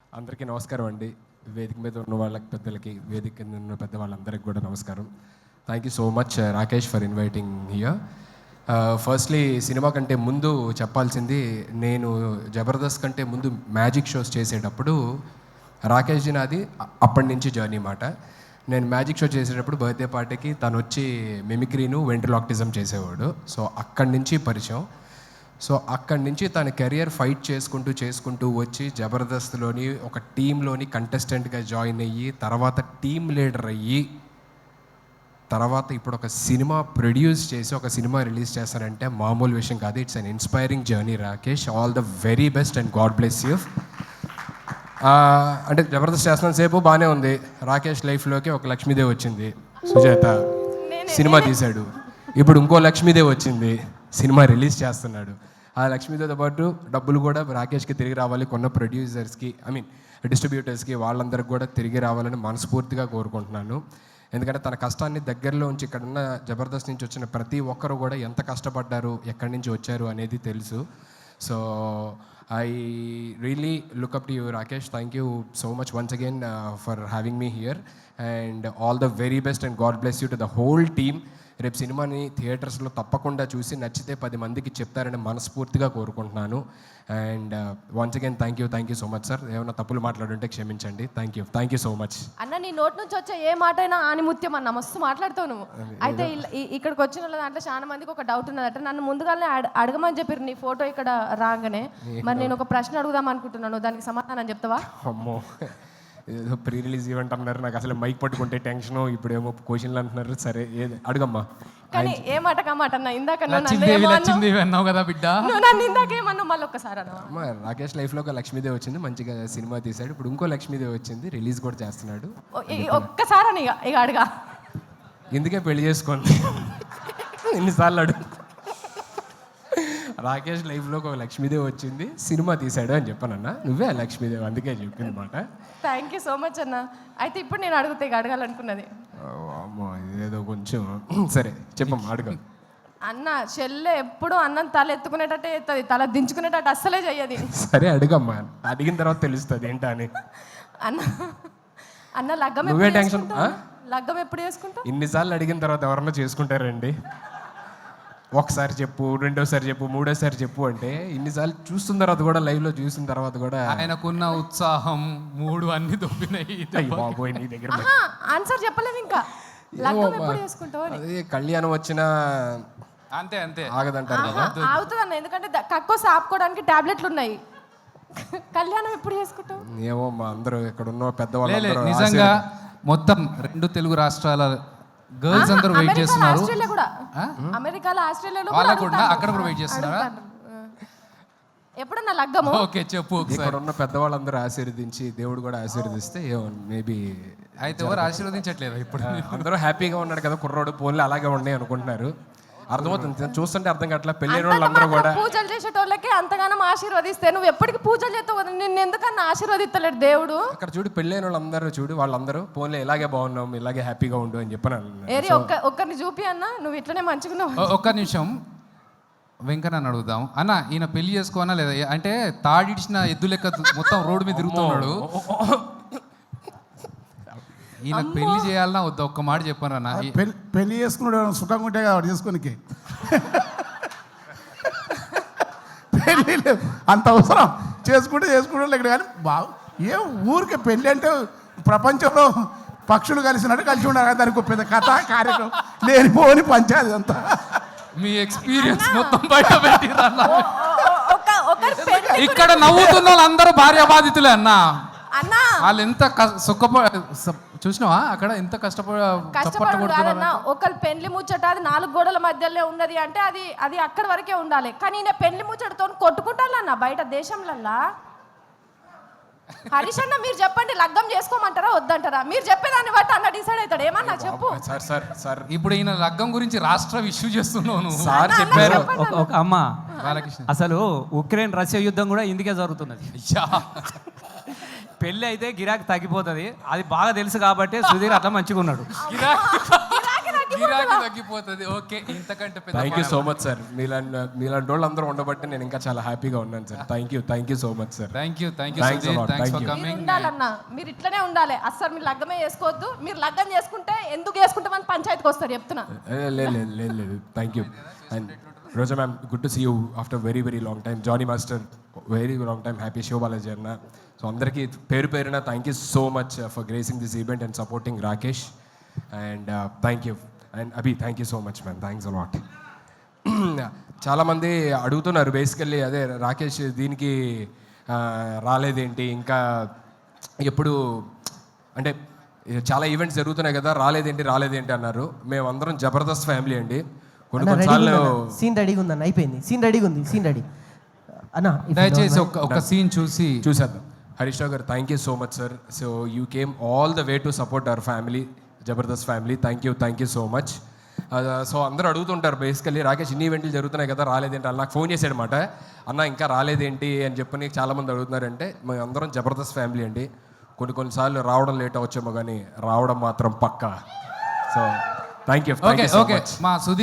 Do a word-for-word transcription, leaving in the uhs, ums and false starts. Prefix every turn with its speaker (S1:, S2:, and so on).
S1: అందరికీ నమస్కారం అండి. వేదిక మీద ఉన్న వాళ్ళకి పెద్దలకి, వేదిక కింద ఉన్న పెద్ద వాళ్ళందరికీ కూడా నమస్కారం. Thank you so much Rakesh for inviting here. Firstly cinema కంటే ముందు చెప్పాల్సింది, నేను జబర్దస్త్ కంటే ముందు మ్యాజిక్ షోస్ చేసేటప్పుడు రాకేష్ జీ నాది అప్పటి నుంచి జర్నీ మాట. నేను మ్యాజిక్ షో చేసేటప్పుడు బర్త్డే పార్టీకి తను వచ్చి మిమిక్రీను వెంట్రలాక్టిజం చేసేవాడు. సో అక్కడి నుంచి పరిచయం. సో అక్కడి నుంచి తన కెరియర్ ఫైట్ చేసుకుంటూ చేసుకుంటూ వచ్చి జబర్దస్త్లోని ఒక టీంలోని కంటెస్టెంట్గా జాయిన్ అయ్యి, తర్వాత టీమ్ లీడర్ అయ్యి, తర్వాత ఇప్పుడు ఒక సినిమా ప్రొడ్యూస్ చేసి ఒక సినిమా రిలీజ్ చేస్తారంటే మామూలు విషయం కాదు. It's an inspiring journey Rakesh. All the very best and God bless you. అంటే జబర్దస్త్ చేస్తున్న సేపు బాగానే ఉంది. రాకేష్ లైఫ్లోకి ఒక లక్ష్మీదేవి వచ్చింది, సుజాత సినిమా తీశాడు. ఇప్పుడు ఇంకో లక్ష్మీదేవి వచ్చింది, సినిమా రిలీజ్ చేస్తున్నాడు. ఆ లక్ష్మీదేవితో పాటు డబ్బులు కూడా రాకేష్కి తిరిగి రావాలి, కొన్న ప్రొడ్యూసర్స్కి, ఐ మీన్ డిస్ట్రిబ్యూటర్స్కి, వాళ్ళందరికీ కూడా తిరిగి రావాలని మనస్ఫూర్తిగా కోరుకుంటున్నాను. ఎందుకంటే తన కష్టాన్ని దగ్గరలో ఉంచి ఇక్కడున్న జబర్దస్త్ నుంచి వచ్చిన ప్రతి ఒక్కరు కూడా ఎంత కష్టపడ్డారు, ఎక్కడి నుంచి వచ్చారు అనేది తెలుసు. So I really look up to you Rakesh. Thank you so much once again for having me here and all the very best and God bless you to the whole team. రేపు సినిమాని థియేటర్స్లో తప్పకుండా చూసి నచ్చితే పది మందికి చెప్తారని మనస్ఫూర్తిగా కోరుకుంటున్నాను. And once again thank you thank you so much sir. ఏమైనా తప్పులు మాట్లాడుంటే క్షమించండి. Thank you thank you so much.
S2: అన్న నీ నోట్ నుంచి వచ్చే ఏ మాట అయినా ఆనిముత్యం అన్న, మస్తు మాట్లాడుతావు నువ్వు. అయితే ఇక్కడికి వచ్చిన వాళ్ళ దాంట్లో చాలా మందికి ఒక డౌట్ ఉన్నదట. నన్ను ముందుగానే అడగమని చెప్పారు నీ ఫోటో ఇక్కడ రాగానే. మరి నేను ఒక ప్రశ్న అడుగుదాం అనుకుంటున్నాను, దానికి సమాధానం చెప్తావా?
S1: అమ్మో, ఏదో ప్రీ రిలీజ్ ఈవెంట్ అన్నారు, నాకు అసలు మైక్ పట్టుకుంటే టెన్షన్, ఇప్పుడేమో క్వశ్చన్లు అంటున్నారు. సరే ఏది అడుగమ్మా.
S2: కానీ ఏ మాట కమాట అన్న, ఇందాక
S3: అన్నావు కదా బిడ్డ,
S2: నువ్వు నన్ను ఇందాక ఏమన్నావు మళ్ళీ ఒక్కసారి అన్న.
S1: రాకేష్ లైఫ్లో ఒక లక్ష్మీదేవి వచ్చింది, మంచిగా సినిమా తీశాడు. ఇప్పుడు ఇంకో లక్ష్మీదేవి వచ్చింది, రిలీజ్ కూడా చేస్తున్నాడు.
S2: ఒక్కసారి అని ఇక ఇక అడగా,
S1: ఎందుకే పెళ్లి చేసుకోండి ఎన్నిసార్లు అడుగు. రాకేష్ లైఫ్లో ఒక లక్ష్మీదేవి వచ్చింది, సినిమా తీశాడు అని చెప్పానన్నా. నువ్వే ఆ లక్ష్మీదేవి, అందుకే చెప్పింది మాట.
S2: థ్యాంక్ యూ సో మచ్ అన్న. అయితే ఇప్పుడు నేను అడుగుతా, ఇక అడగాలనుకున్నది.
S1: అమ్మో ఇదేదో కొంచెం సరే చెప్పమ్మా, అడుగు.
S2: అన్న చెల్లె ఎప్పుడు అన్నం తల ఎత్తుకునేటట్టే ఎత్తది, తల దించుకునేటట్టు అస్సలే చెయ్యది.
S1: సరే అడుగమ్మా, అడిగిన తర్వాత తెలుస్తుంది ఏంటా అని.
S2: అన్న అన్న లగ్గం
S1: నువ్వే టెన్షన్.
S2: లగ్గం ఎప్పుడు చేసుకుంటా?
S1: ఇన్నిసార్లు అడిగిన తర్వాత ఎవరన్నా చేసుకుంటారండి? ఒకసారి చెప్పు, రెండోసారి చెప్పు, మూడోసారి చెప్పు అంటే ఇన్నిసార్లు చూస్తున్న తర్వాత కూడా, లైవ్లో చూసిన తర్వాత కూడా
S3: ఆయనకున్న ఉత్సాహం మూడు అన్ని దొబ్బినాయి.
S1: బాబోయ్ నీ దగ్గర
S2: ఆన్సర్ చెప్పలేదు ఇంకా. లగ్గం ఎప్పుడు చేసుకుంటావు?
S1: అదే కళ్యాణం వచ్చినా
S3: అంతే అంతే
S1: ఆగదంటారు కదా.
S2: ఆగుతుంది అన్న, ఎందుకంటే కక్కోసి ఆపుకోవడానికి టాబ్లెట్లు ఉన్నాయి. కళ్యాణం ఎప్పుడు చేసుకుంటావు?
S1: ఏమో మా అందరూ ఇక్కడ ఉన్న పెద్దవాళ్ళు
S3: నిజంగా మొత్తం రెండు తెలుగు రాష్ట్రాల గర్ల్స్ అందరూ వెయిట్ చేస్తున్నారు.
S2: అమెరికాలో, ఆస్ట్రేలియాలో
S3: వాళ్ళకు కూడా అక్కడ కూడా వెయిట్ చేస్తున్నారా?
S2: ఎప్పుడన్నా లగ్గము?
S3: ఓకే చెప్పు.
S1: ఇక్కడ ఉన్న పెద్దవాళ్ళందరూ ఆశీర్వదించి, దేవుడు కూడా ఆశీర్వదిస్తే మేబీ.
S3: అయితే ఎవరు ఆశీర్వదించట్లేదు ఇప్పుడు?
S1: అందరూ హ్యాపీగా ఉన్నాడు కదా కుర్రోడు, పోన్లే అలాగే ఉన్నాయి అనుకుంటున్నారు. అర్థమవుతుంది, చూస్తుంటే అర్థం కావట్లా. పెళ్ళైన వాళ్ళందరూ కూడా
S2: పూజలు చేసేటోళ్ళకి అంతగానం ఆశీర్వదిస్తే నువ్వు ఎప్పటికి పూజలు చేస్తావు కదా, నిన్ను ఎందుకన్నా ఆశీర్వదిస్తలేడు దేవుడు? అక్కడ
S1: చూడు, పెళ్ళైన వాళ్ళందరూ చూడు, వాళ్ళందరూ పోన్లే ఇలాగే బాగున్నాం, ఇలాగే హ్యాపీగా ఉండు అని చెప్పాను.
S2: ఏరి ఒక్క ఒక్కరిని చూపి అన్న, నువ్వు ఇట్లనే మంచిగున్నావు.
S3: ఒక్క నిమిషం వెంకన్న అడుగుదాం. అన్న ఈయన పెళ్లి చేసుకోనా లేదా? అంటే తాడిడిచిన ఎద్దు లెక్క మొత్తం రోడ్డు మీద తిరుగుతున్నాడు. ఈయన పెళ్లి చేయాలన్నా వద్దా? ఒక్క మాట చెప్పాను అన్న.
S4: పెళ్లి చేసుకున్నాడు సుఖంగా ఉంటే కాబట్టి చేసుకోనికి పెళ్ళి అంత అవసరం. చేసుకుంటే చేసుకుంటే ఇక్కడ కానీ బాగు ఏ ఊరికే పెళ్ళి అంటే ప్రపంచంలో పక్షులు కలిసినట్టు కలిసి ఉండాలి. దానికి పెద్ద కథ కార్యక్రమం లేనిపోని పంచాయతీ అంతా.
S3: మీ ఎక్స్పీరియన్స్ మొత్తం బయట పెట్టిరన్న. ఇక్కడ నవ్వుతున్న వాళ్ళందరూ భార్య బాధితులే అన్న. వాళ్ళు ఎంత సుఖప చూసినావా అక్కడ ఎంత కష్టపడ
S2: కష్టపడుతున్నారు. ఒకళ్ళు పెళ్లి ముచ్చట అది నాలుగు గోడల మధ్యలో ఉన్నది అంటే అది అది అక్కడి వరకే ఉండాలి. కానీ ఈయన పెళ్లి ముచ్చటతో కొట్టుకుంటారన్న బయట దేశంలల్లా. హరీష్ అన్న మీరు చెప్పండి, లగ్గం చేసుకోమంటారా వద్దంటారా? మీరు చెప్పేదాన్ని బట్టి అన్న డిసైడ్ అవుతాడు. ఏమన్నా చెప్పు.
S1: సార్ సార్ సార్
S3: ఇప్పుడు ఈయన లగ్గం గురించి రాష్ట్ర ఇష్యూ చేస్తున్నావు
S1: సార్ చెప్పారు.
S5: అమ్మ అసలు ఉక్రెయిన్ రష్యా యుద్ధం కూడా ఇందుకే జరుగుతున్నది. పెళ్ళి అయితే గిరాకీ తగ్గిపోతుంది, అది బాగా తెలుసు కాబట్టి సుధీర్ అట్లా మంచిగా ఉన్నాడు.
S3: గిరాకీ తగ్గిపోతుంది. ఓకే, ఇంతకంటే పెద్ద
S1: thank you so much sir. మీలాంటి మీలాంటి వాళ్ళు అందరూ ఉండబట్టి నేను ఇంకా చాలా హ్యాపీగా ఉన్నాను sir. Thank you thank you so much sir.
S3: Thank you thank you
S1: Thanks a
S3: Sudheer,
S1: lot.
S3: Thanks
S1: Thank
S3: for
S1: you.
S2: మీరు
S3: కమింగ్.
S2: ఉండాలన్నా మీరు ఇట్లనే ఉండాలి. అస్సలు మీరు లగ్గమే చేసుకోవద్దు. మీరు లగ్గం చేసుకుంటే ఎందుకు చేసుకుంటామని పంచాయతీకి వస్తారు చెప్తున్నా.
S1: లేదు లేదు లేదు లేదు thank you. And Roja ma'am, good to see you after very very long time. Johnny master, very long time. Happy Shivabalaji అన్న. సో అందరికీ పేరు పేరున thank you so much for gracing this event and supporting Rakesh. And thank you. And Abhi, thank you so much ma'am. Thanks a lot. చాలామంది అడుగుతున్నారు basically, అదే రాకేష్ దీనికి ఆ, రాలేదేంటి ఇంకా, ఎప్పుడు అంటే చాలా ఈవెంట్స్ జరుగుతున్నాయి కదా, రాలేదేంటి రాలేదేంటి అన్నారు. మేమందరం జబర్దస్త్ ఫ్యామిలీ అండి. కొన్ని కొన్నిసార్లు
S6: సీన్ రెడీగా ఉందన్న, అయిపోయింది. సీన్ రెడీగా ఉంది, సీన్ రెడీ అన్న.
S3: దయచేసి ఒక ఒక సీన్ చూసి
S1: చూసేద్దాం. హరీష్ రావు గారు, thank you so much sir. So you came all the way to support our family, Jabardasth family. Thank you thank you so much. So అందరూ అడుగుతుంటారు బేసికల్లీ, రాకేష్ ఇన్ని ఈవెంట్లు జరుగుతున్నాయి కదా రాలేదేంటి అని. నాకు ఫోన్ చేశాడు అనమాట, అన్న ఇంకా రాలేదేంటి అని చెప్పని చాలామంది అడుగుతున్నారంటే, మేము అందరం జబర్దస్త్ ఫ్యామిలీ అండి. కొన్ని కొన్నిసార్లు రావడం లేట్ అవచ్చేమో కానీ రావడం మాత్రం పక్కా. So thank you
S3: okay okay మా సుధీర్